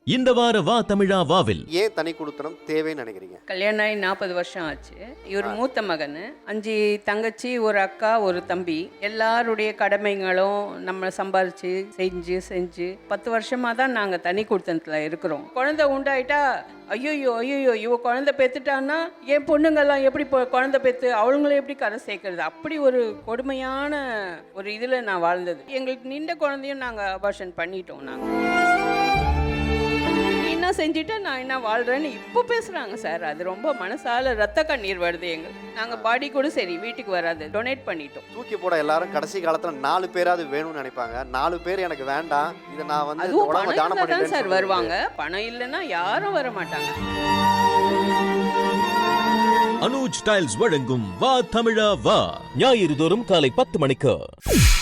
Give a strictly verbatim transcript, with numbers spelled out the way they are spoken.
இந்த வார வா தமிழா வாவில் ஏன் தனி குடுத்தனம் தேவைன்னு நினைக்கிறீங்க? கல்யாணம் ஆகி நாற்பது வருஷம் ஆச்சு. இவர் மூத்த மகன், அஞ்சு தங்கச்சி, ஒரு அக்கா, ஒரு தம்பி. எல்லாருடைய கடமைகளும் நம்ம சம்பாரிச்சு செஞ்சு செஞ்சு பத்து வருஷமா தான் நாங்க தனி குடுத்தனத்துல இருக்கிறோம். குழந்தை உண்டாயிட்டா ஐயோ ஐயோ இவ குழந்தை பெத்துட்டான்னா என் பொண்ணுங்கெல்லாம் எப்படி குழந்தை பெத்து அவங்களும் எப்படி கரை சேர்க்கறது, அப்படி ஒரு கொடுமையான ஒரு இதுல நான் வாழ்ந்தது. எங்களுக்கு நின்ற குழந்தையும் நாங்க அபார்ஷன் பண்ணிட்டோம். நாங்க என்ன செஞ்சுட்டு நான் என்ன வாழ்றேன்னு இப்போ பேசுறாங்க சார். அது ரொம்ப மனசால ரத்த கண்ணீர் வருது எங்களுக்கு. நாங்க பாடி கூட சரி வீட்டுக்கு வராது, டொனேட் பண்ணிட்டோம். தூக்கி போட எல்லாரும் கடைசி காலத்துல நாலு பேராவது வேணும்னு நினைப்பாங்க. நாலு பேர் எனக்கு வேண்டாம், இதை நான் வந்து அதுவும் உடம்ப பணம் தானம் இருந்தா தான் சார் பண்ணிட்டேன்னு வருவாங்க. பணம் இல்லைன்னா யாரும் வர மாட்டாங்க. அனுஜ் டைல்ஸ் வழங்கும் வா தமிழா வா ஞாயிறு தோறும் காலை பத்து மணிக்கு.